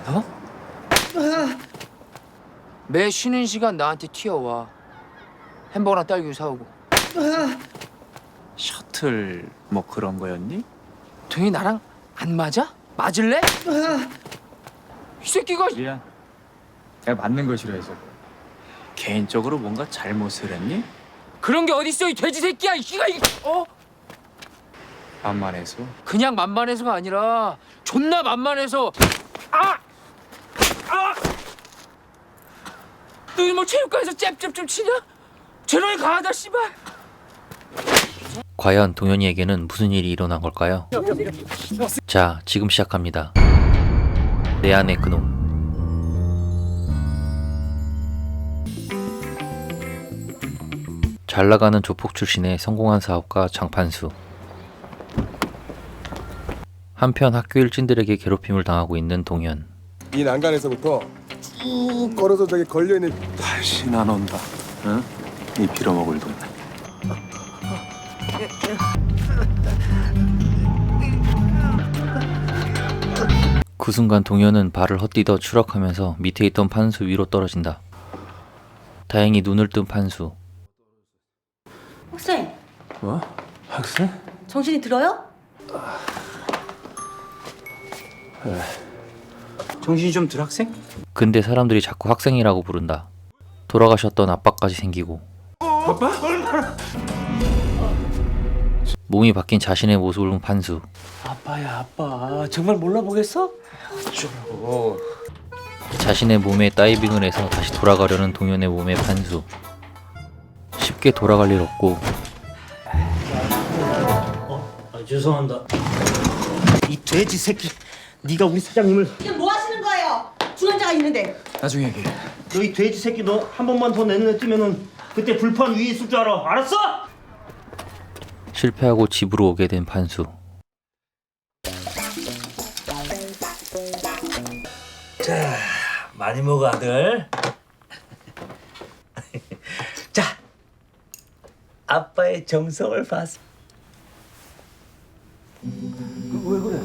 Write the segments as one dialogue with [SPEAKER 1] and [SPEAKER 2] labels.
[SPEAKER 1] 어? 매 쉬는 시간 나한테 튀어와. 햄버거랑 딸기 사오고.
[SPEAKER 2] 셔틀 뭐 그런 거였니?
[SPEAKER 1] 동현이 나랑 안 맞아? 맞을래? 이 새끼가
[SPEAKER 2] 미안. 내가 맞는 걸 싫어해서. 개인적으로 뭔가 잘못을 했니?
[SPEAKER 1] 그런 게 어딨어 이 돼지 새끼야 이 씨가
[SPEAKER 2] 만만해서.
[SPEAKER 1] 그냥 만만해서가 아니라 존나 만만해서 너희 뭐 체육관에서 잽잽 좀 치냐? 제로에 강하다 씨발.
[SPEAKER 3] 과연 동현이에게는 무슨 일이 일어난 걸까요? 자, 지금 시작합니다. 내 안의 그놈. 잘 나가는 조폭 출신의 성공한 사업가 장판수. 한편 학교 일진들에게 괴롭힘을 당하고 있는 동현.
[SPEAKER 4] 이 난간에서부터 쭉 걸어서 저기 걸려있는
[SPEAKER 2] 다시 안 온다. 응? 이 빌어먹을 돈.
[SPEAKER 3] 그 순간 동현은 발을 헛디뎌 추락하면서 밑에 있던 판수 위로 떨어진다. 다행히 눈을 뜬 판수.
[SPEAKER 5] 학생,
[SPEAKER 2] 뭐? 학생?
[SPEAKER 5] 정신이 들어요?
[SPEAKER 2] 정신이 좀 들 학생?
[SPEAKER 3] 근데 사람들이 자꾸 학생이라고 부른다. 돌아가셨던 아빠까지 생기고.
[SPEAKER 2] 아빠?
[SPEAKER 3] 몸이 바뀐 자신의 모습을 본 판수.
[SPEAKER 6] 아빠야 아빠 정말 몰라보겠어?
[SPEAKER 3] 자신의 몸에 다이빙을 해서 다시 돌아가려는 동현의 몸에 판수. 쉽게 돌아갈 일 없고
[SPEAKER 6] 죄송합니다. 이 돼지 새끼, 네가 우리 사장님을.
[SPEAKER 5] 지금 뭐 하시는 거예요? 중환자가 있는데.
[SPEAKER 2] 나중에 얘기해.
[SPEAKER 6] 너 이 돼지 새끼, 너 한 번만 더 내 눈에 띄면은 그때 불판 위에 있을 줄 알아. 알았어?
[SPEAKER 3] 실패하고 집으로 오게 된 판수.
[SPEAKER 6] 자, 많이 먹어 아들. 자, 아빠의 정성을 봤어. 왜 그래?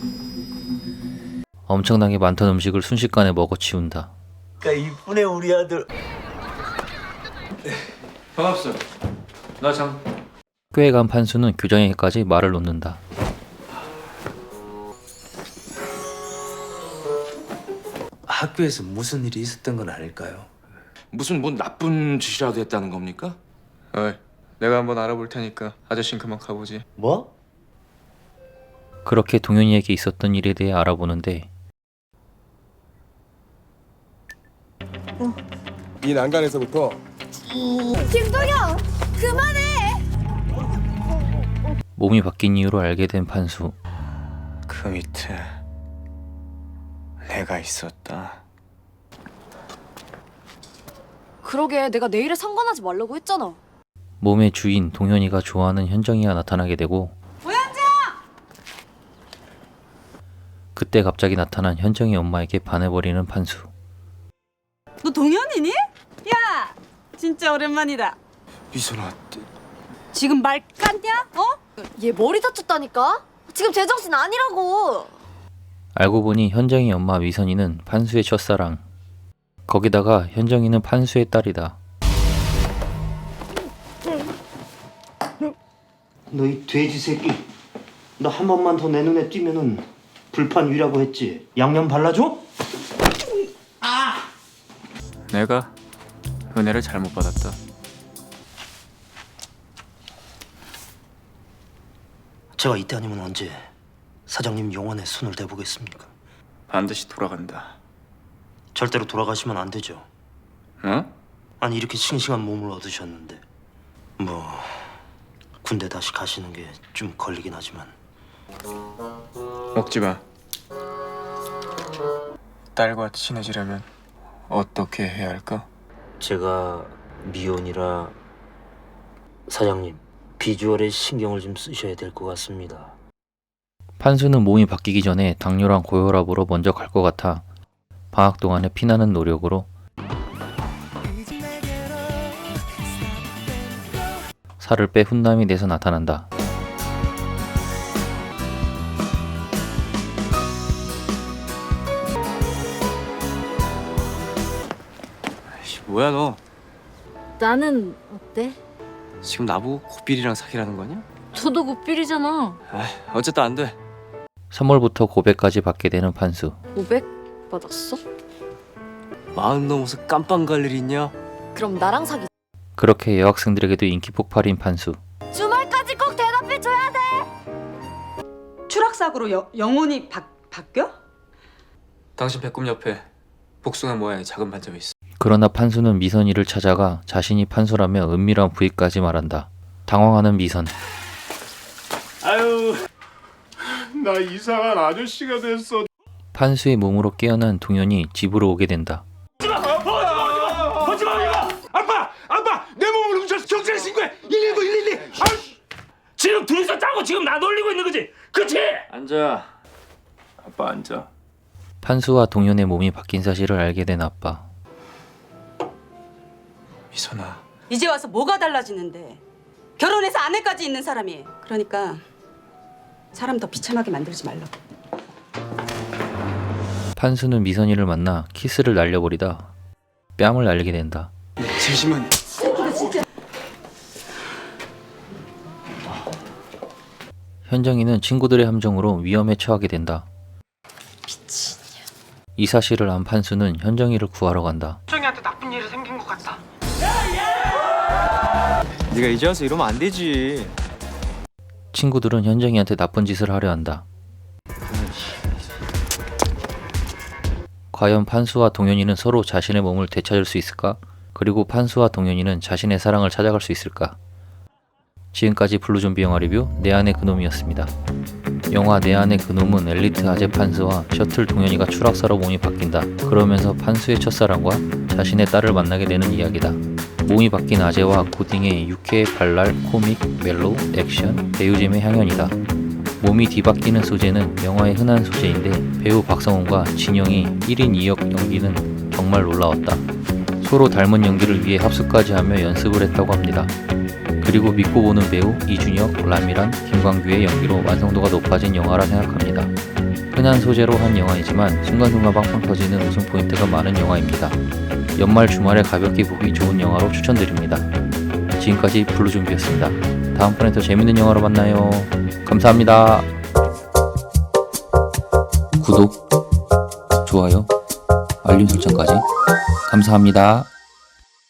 [SPEAKER 3] 엄청나게 많던 음식을 순식간에 먹어치운다.
[SPEAKER 6] 그러니까 이쁜애 우리 아들.
[SPEAKER 2] 반갑소. 나 장.
[SPEAKER 3] 학교에 간 판수는 교장에게까지 말을 놓는다.
[SPEAKER 7] 학교에서 무슨 일이 있었던 건 아닐까요?
[SPEAKER 8] 무슨 뭐 나쁜 짓이라도 했다는 겁니까?
[SPEAKER 2] 어이, 내가 한번 알아볼 테니까 아저씨는 그만 가보지.
[SPEAKER 6] 뭐?
[SPEAKER 3] 그렇게 동현이에게 있었던 일에 대해 알아보는데
[SPEAKER 4] 이 난간에서부터
[SPEAKER 5] 김동영, 그만해.
[SPEAKER 3] 몸이 바뀐 이유로 알게 된 판수.
[SPEAKER 2] 그 밑에 내가 있었다.
[SPEAKER 9] 그러게 내가 내일에 상관하지 말라고 했잖아.
[SPEAKER 3] 몸의 주인 동현이가 좋아하는 현정이가 나타나게 되고 그때 갑자기 나타난 현정이 엄마에게 반해버리는 판수.
[SPEAKER 5] 너 동현이니? 야, 진짜 오랜만이다.
[SPEAKER 8] 미선아,
[SPEAKER 5] 지금 말 깠냐? 어?
[SPEAKER 9] 얘 머리 다쳤다니까? 지금 제정신 아니라고.
[SPEAKER 3] 알고 보니 현정이 엄마 미선이는 판수의 첫사랑. 거기다가 현정이는 판수의 딸이다.
[SPEAKER 6] 너 이 돼지 새끼, 너 한 번만 더 내 눈에 띄면은 불판 위라고 했지. 양념 발라줘?
[SPEAKER 2] 내가 은혜를 잘못 받았다.
[SPEAKER 6] 제가 이때 아니면 언제 사장님 영혼에 손을 대보겠습니까?
[SPEAKER 2] 반드시 돌아간다.
[SPEAKER 6] 절대로 돌아가시면 안 되죠.
[SPEAKER 2] 어?
[SPEAKER 6] 아니 이렇게 싱싱한 몸을 얻으셨는데 뭐 군대 다시 가시는 게 좀 걸리긴 하지만
[SPEAKER 2] 먹지 마. 딸과 친해지려면 어떻게 해야 할까?
[SPEAKER 6] 제가 미혼이라 사장님 비주얼에 신경을 좀 쓰셔야 될 것 같습니다.
[SPEAKER 3] 판수는 몸이 바뀌기 전에 당뇨랑 고혈압으로 먼저 갈 것 같아 방학 동안에 피나는 노력으로 살을 빼 훈남이 돼서 나타난다.
[SPEAKER 7] 뭐야 너?
[SPEAKER 9] 나는 어때?
[SPEAKER 7] 지금 나보고 고삐리랑 사귀라는 거냐?
[SPEAKER 9] 저도 고필이잖아.
[SPEAKER 7] 어쨌든 안 돼.
[SPEAKER 3] 선물부터 고백까지 받게 되는 판수.
[SPEAKER 9] 500 받았어?
[SPEAKER 7] 40 넘어서 깜빵 갈 일 있냐?
[SPEAKER 9] 그럼 나랑 사귀.
[SPEAKER 3] 그렇게 여학생들에게도 인기 폭발인 판수.
[SPEAKER 9] 주말까지 꼭 대답해줘야 돼.
[SPEAKER 5] 추락사고로 영혼이 바뀌어?
[SPEAKER 2] 당신 배꼽 옆에 복숭아 모양의 작은 반점이 있어.
[SPEAKER 3] 그러나 판수는 미선이를 찾아가 자신이 판수라며 은밀한 부위까지 말한다. 당황하는 미선.
[SPEAKER 4] 나 이상한 아저씨가 됐어.
[SPEAKER 3] 판수의 몸으로 깨어난 동현이 집으로 오게 된다.
[SPEAKER 8] 아빠! 내 몸을 훔쳐서 경찰에 신고해! 119 112! 지금 둘이서 짜고 지금 나 놀리고 있는 거지? 그치?
[SPEAKER 2] 앉아. 아빠 앉아.
[SPEAKER 3] 판수와 동현의 몸이 바뀐 사실을 알게 된 아빠.
[SPEAKER 2] 미선아.
[SPEAKER 5] 이제 와서 뭐가 달라지는데? 결혼해서 아내까지 있는 사람이. 그러니까 사람 더 비참하게 만들지 말라고.
[SPEAKER 3] 판수는 미선이를 만나 키스를 날려버리다 뺨을 날리게 된다.
[SPEAKER 7] 잠시만.
[SPEAKER 3] 현정이는 친구들의 함정으로 위험에 처하게 된다. 이 사실을 안 판수는 현정이를 구하러 간다.
[SPEAKER 2] 네가 이제 와서 이러면 안 되지.
[SPEAKER 3] 친구들은 현정이한테 나쁜 짓을 하려 한다. 과연 판수와 동현이는 서로 자신의 몸을 되찾을 수 있을까? 그리고 판수와 동현이는 자신의 사랑을 찾아갈 수 있을까? 지금까지 블루좀비 영화 리뷰 내 안의 그놈이었습니다. 영화 내 안의 그놈은 엘리트 아재 판수와 셔틀 동현이가 추락사로 몸이 바뀐다. 그러면서 판수의 첫사랑과 자신의 딸을 만나게 되는 이야기다. 몸이 바뀐 아재와 고딩의 유쾌, 발랄, 코믹, 멜로, 액션, 배우잼의 향연이다. 몸이 뒤바뀌는 소재는 영화의 흔한 소재인데 배우 박성훈과 진영이 1인 2역 연기는 정말 놀라웠다. 서로 닮은 연기를 위해 합숙까지 하며 연습을 했다고 합니다. 그리고 믿고 보는 배우 이준혁, 라미란, 김광규의 연기로 완성도가 높아진 영화라 생각합니다. 흔한 소재로 한 영화이지만 순간순간 빵빵 터지는 웃음 포인트가 많은 영화입니다. 연말 주말에 가볍게 보기 좋은 영화로 추천드립니다. 지금까지 블루좀비였습니다. 다음번에 더 재밌는 영화로 만나요. 감사합니다. 구독, 좋아요, 알림 설정까지 감사합니다.